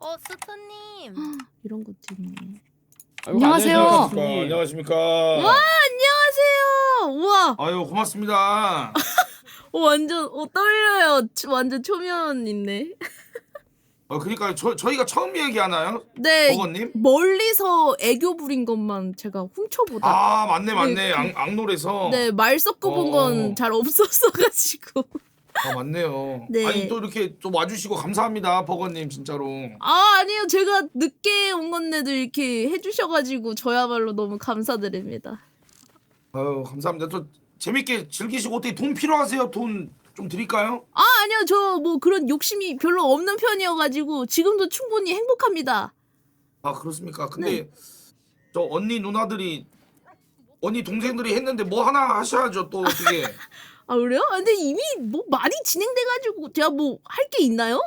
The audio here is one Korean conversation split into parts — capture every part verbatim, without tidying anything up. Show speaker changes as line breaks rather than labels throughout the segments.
어, 스타님.
이런 것도 있네.
아이고,
안녕하세요.
안녕하십니까.
안녕하십니까.
와, 안녕하세요. 우와.
아유 고맙습니다.
어, 완전 어, 떨려요. 초- 완전 초면 있네.
어 그러니까 저 저희가 처음 얘기하나요?
네.
버거님?
멀리서 애교 부린 것만 제가 훔쳐보다.
아 맞네 맞네.
네,
악, 악놀에서.
네, 말 섞어본
어.
건 잘 없었어가지고.
아 맞네요.
네.
아니 또 이렇게 또 와주시고 감사합니다 버거님 진짜로.
아, 아니요. 제가 늦게 온 건데도 이렇게 해주셔가지고 저야말로 너무 감사드립니다.
아유 감사합니다. 또 재밌게 즐기시고 어떻게 돈 필요하세요? 돈 좀 드릴까요?
아, 아니요. 저 뭐 그런 욕심이 별로 없는 편이어가지고 지금도 충분히 행복합니다.
아 그렇습니까? 근데
네.
저 언니 누나들이 언니 동생들이 했는데 뭐 하나 하셔야죠 또 어떻게.
아, 그래요? 아, 근데 이미 뭐 많이 진행돼가지고 제가 뭐 할 게 있나요?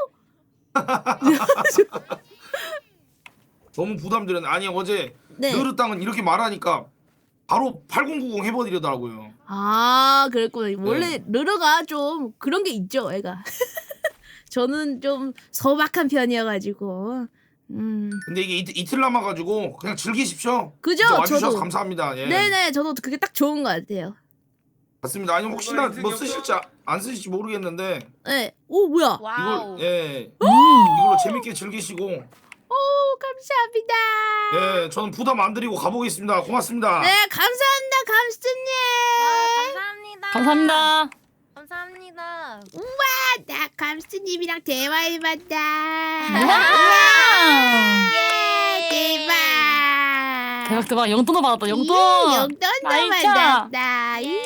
너무 부담드렸네. 아니 어제
네.
느르 땅은 이렇게 말하니까 바로 팔공구공 해버리더라고요.
아, 그랬구나. 원래
네.
르르가 좀 그런 게 있죠, 애가. 저는 좀 소박한 편이어가지고. 음.
근데 이게 이틀, 이틀 남아가지고 그냥 즐기십시오.
그죠?
진짜 와주셔서
저도.
감사합니다. 예.
네네, 저도 그게 딱 좋은 것 같아요.
맞습니다. 아니 혹시나 뭐 쓰실지 아- 안 쓰실지 모르겠는데
네. 오, 뭐야?
와우.
이걸 예
음.
이걸로 재밌게 즐기시고
오, 감사합니다.
예 저는 부담 안 드리고 가보겠습니다. 고맙습니다.
네, 감사합니다, 감스님.
와, 감사합니다.
감사합니다.
감사합니다.
우와, 나 감스님이랑 대화해봤다. 예, 대박.
대박 대박 영돈도 받았다 영돈.
이, 용돈도
아이, 참.
받았다. 이.